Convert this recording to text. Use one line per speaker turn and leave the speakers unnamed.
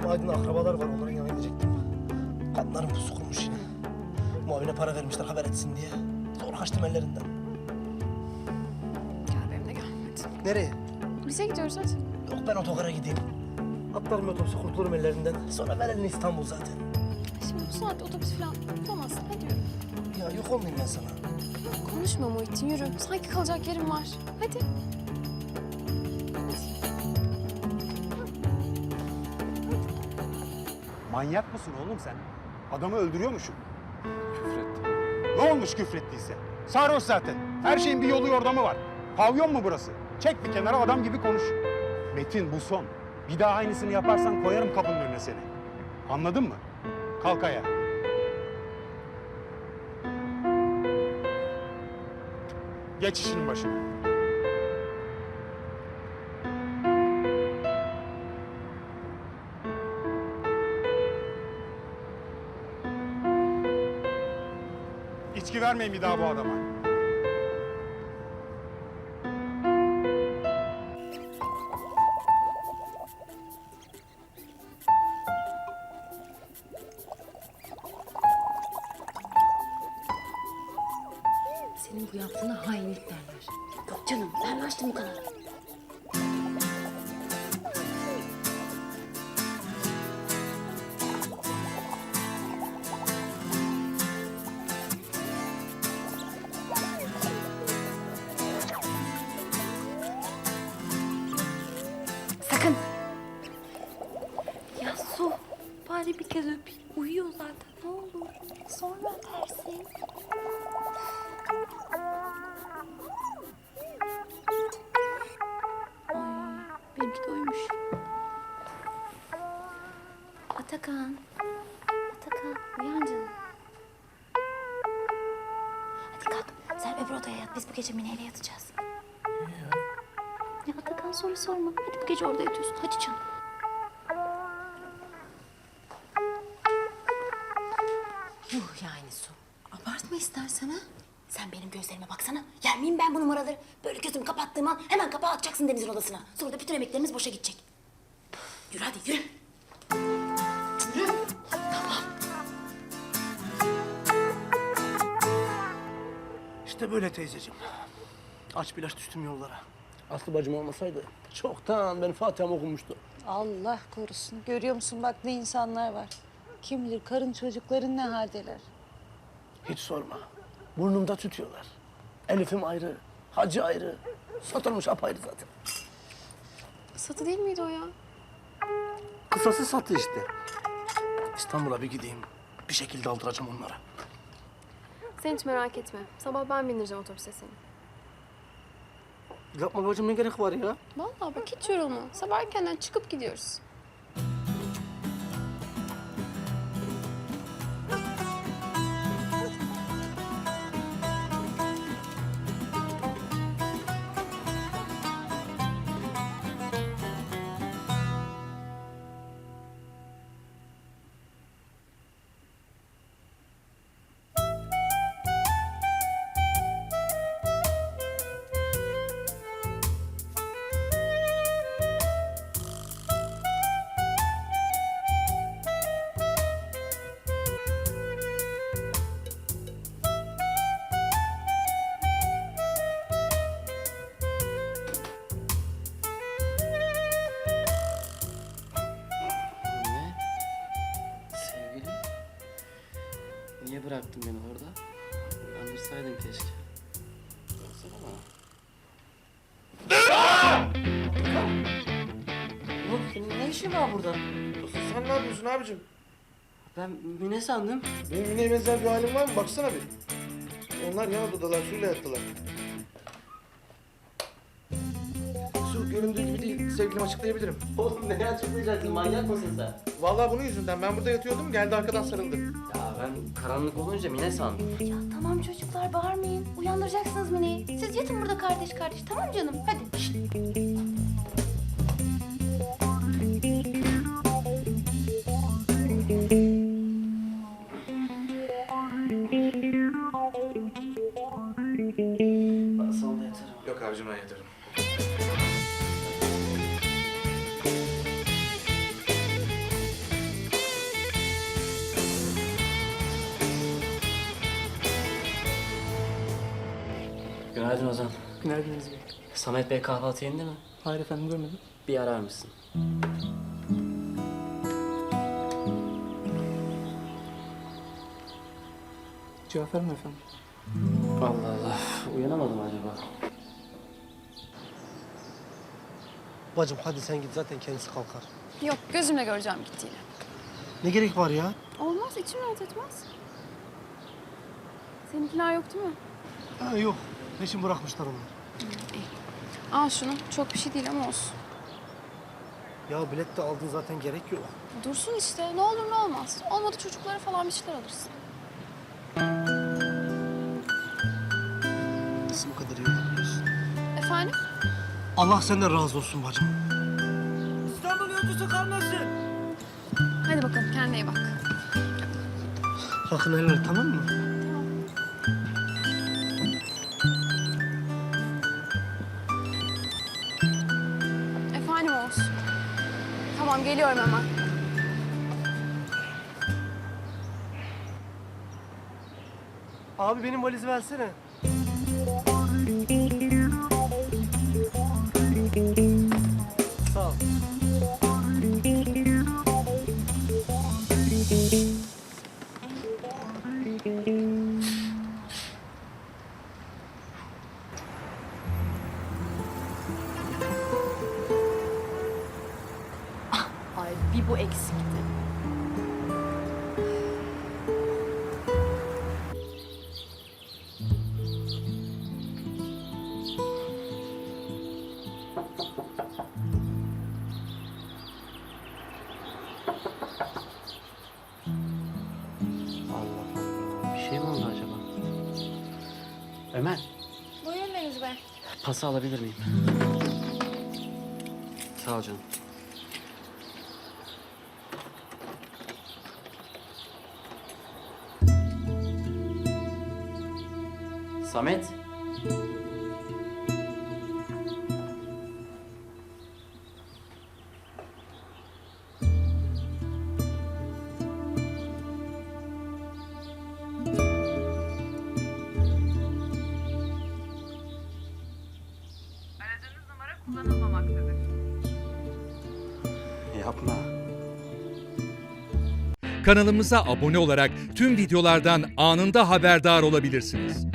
Bizim Aydın'da akrabalar var, onların yanına gidecektim. Kadınların pusu kurmuş yine. Muavine para vermişler haber etsin diye. Zor kaçtım ellerinden.
Gel benimle gel hadi.
Nereye?
Bize gidiyoruz hadi.
Yok ben otogara gideyim. Atlarım otobüse kurtulurum ellerinden. Sonra ver elini İstanbul zaten.
Şimdi bu saatte otobüs falan tutamazsın. Hadi yürü.
Ya yok olmayayım ben sana.
Konuşma Muhittin yürü. Sanki kalacak yerim var. Hadi.
Manyak mısın oğlum sen? Adamı öldürüyormuşsun.
Küfretti.
Ne olmuş küfrettiyse? Sarhoş zaten. Her şeyin bir yolu yordamı var. Pavyon mu burası? Çek bir kenara adam gibi konuş. Metin bu son. Bir daha aynısını yaparsan koyarım kapının önüne seni. Anladın mı? Kalk ayağa. Geç işinin başına. İçki vermeyin bir daha bu adama.
Senin bu yaptığına hainlik derler. Yok canım, ben mi açtım bu kanalı? Sakın! Ya Su, bari bir kez öpeyim. Uyuyor zaten, ne olur. Sonra öpersin. Benimki de uyumuş. Atakan. Atakan, uyan canım. Hadi kalk, sen öbür odaya yat. Biz bu gece Mine'yle yatacağız. Ya Atakan soru sorma. Hadi bu gece orada yatıyorsun. Hadi canım. Yuh yani Su. Abartma istersen ha. Sen benim gözlerime baksana. Yer miyim ben bu numaraları? Böyle gözümü kapattığım an hemen kapağı atacaksın Deniz'in odasına. Sonra da bütün emeklerimiz boşa gidecek. Yürü hadi yürü. Yürü. Tamam.
İşte böyle teyzeciğim. Aç bir ilaç düştüm yollara. Aslı bacım olmasaydı çoktan benim Fatiha'm okunmuştu.
Allah korusun. Görüyor musun bak ne insanlar var. Kim bilir karın çocukların ne haldeler.
Hiç sorma. Burnumda tutuyorlar. Elif'im ayrı, Hacı ayrı. Satılmış apayrı zaten.
Satı değil miydi o ya?
Kısası satı işte. İstanbul'a bir gideyim. Bir şekilde aldıracağım onlara.
Sen hiç merak etme. Sabah ben bindireceğim otobüse seni.
Yapma bacım ne gerek var ya?
Vallahi bak hiç yorulma. Sabah erkenden çıkıp gidiyoruz.
Ne? Sevgilim? Niye bıraktın beni orada? Uyandırsaydın keşke. Baksana bana. Oğlum senin ne işin var burada?
Sen ne yapıyorsun abicim?
Ben Mine sandım.
Benim Mine'ye benzer bir halim var mı? Baksana bir. Onlar yan odadalar, suyla yattılar. Su göründüğü gibi değil, sevgilim açıklayabilirim.
Oğlum ne açıklayacaksın? Manyak mısın sen?
Vallahi bunun yüzünden ben burada yatıyordum, geldi arkadan sarıldı.
Ya ben karanlık olunca Mine sandım.
Ya tamam çocuklar bağırmayın. Uyandıracaksınız Mine'yi. Siz yatın burada kardeş kardeş. Tamam canım hadi. Şişt.
Salonda yatarım.
Yok abicim ben yatarım.
Günaydın Ozan.
Günaydın Aziz Bey.
Samet Bey kahvaltı yerinde mi?
Hayır efendim görmedim.
Bir arar mısın?
Cevap verme efendim.
Allah Allah. Uyanamadım acaba?
Bacım hadi sen git zaten kendisi kalkar.
Yok, gözümle göreceğim gittiğini.
Ne gerek var ya?
Olmaz, içim rahat etmez. Seninkiler yok değil mi?
Ha, yok. Peşin bırakmışlar onlar.
Al şunu. Çok bir şey değil ama olsun.
Ya bilet de aldın zaten gerek yok.
Dursun işte. Ne olur ne olmaz. Olmadı çocuklara falan bir şeyler alırsın.
Nasıl bu kadar iyi olabiliyorsun?
Efendim?
Allah senden razı olsun bacım.
Hadi bakalım kendine iyi bak.
Hakkını helal et, tamam mı?
Efendim Oğuz. Tamam geliyorum hemen.
Abi benim valizi versene. Sağ ol.
Ay bir bu eksikti.
Allah Allah. Bir şey mi oldu acaba? Ömer,
Buyurun Deniz Bey.
pası alabilir miyim? Sağ ol canım. Samet.
Aradığınız numara kullanılmamaktadır.
Yapma.
Kanalımıza abone olarak tüm videolardan anında haberdar olabilirsiniz.